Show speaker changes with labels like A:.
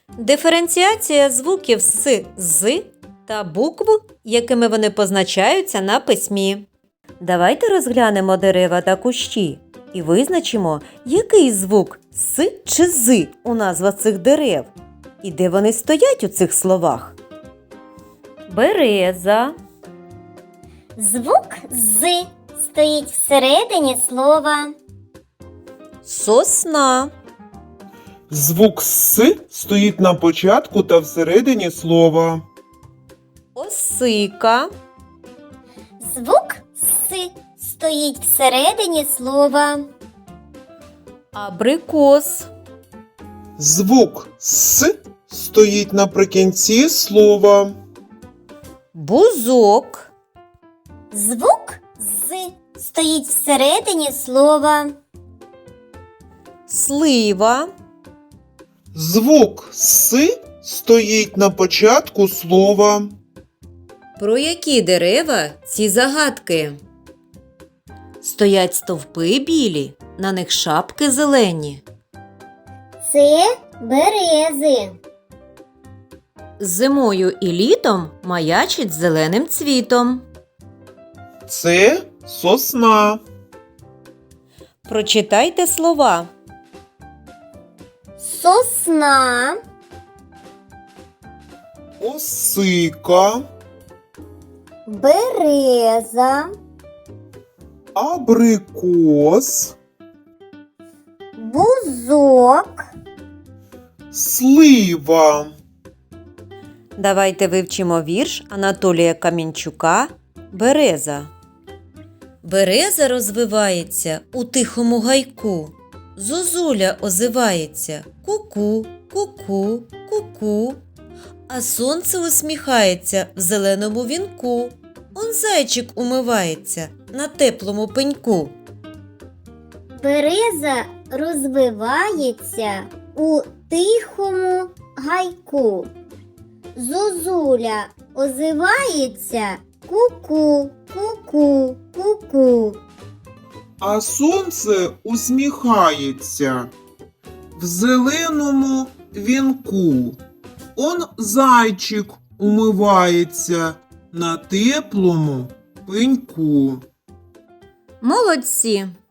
A: Диференціація звуків с, з та букв, якими вони позначаються на письмі. Давайте розглянемо дерева та кущі і визначимо, який звук с чи з у назвах цих дерев і де вони стоять у цих словах. Береза,
B: Звук «з» стоїть всередині слова.
A: сосна,
C: Звук «с» стоїть на початку та всередині слова.
A: осика,
B: Звук «с» стоїть всередині слова.
A: абрикос,
C: Звук «с» стоїть наприкінці слова.
A: бузок,
B: Звук «з» стоїть всередині слова.
A: слива,
C: Звук «с» стоїть на початку слова.
A: Про які дерева ці загадки? Стоять стовпи білі, на них шапки зелені.
B: Це берези.
A: Зимою і літом маячить зеленим цвітом.
C: Це сосна.
A: Прочитайте слова.
B: Сосна,
C: Осика,
B: береза,
C: абрикос,
B: бузок,
C: слива.
A: Давайте вивчимо вірш Анатолія Камінчука «Береза». Береза розвивається у тихому гайку. Зозуля озивається ку-ку, ку-ку, ку-ку. А сонце усміхається в зеленому вінку. Он зайчик умивається на теплому пеньку.
B: береза розвивається у тихому гайку. Зозуля озивається ку-ку, ку-ку, ку-ку.
C: А сонце усміхається в зеленому вінку. Он зайчик умивається на теплому пеньку.
A: Молодці!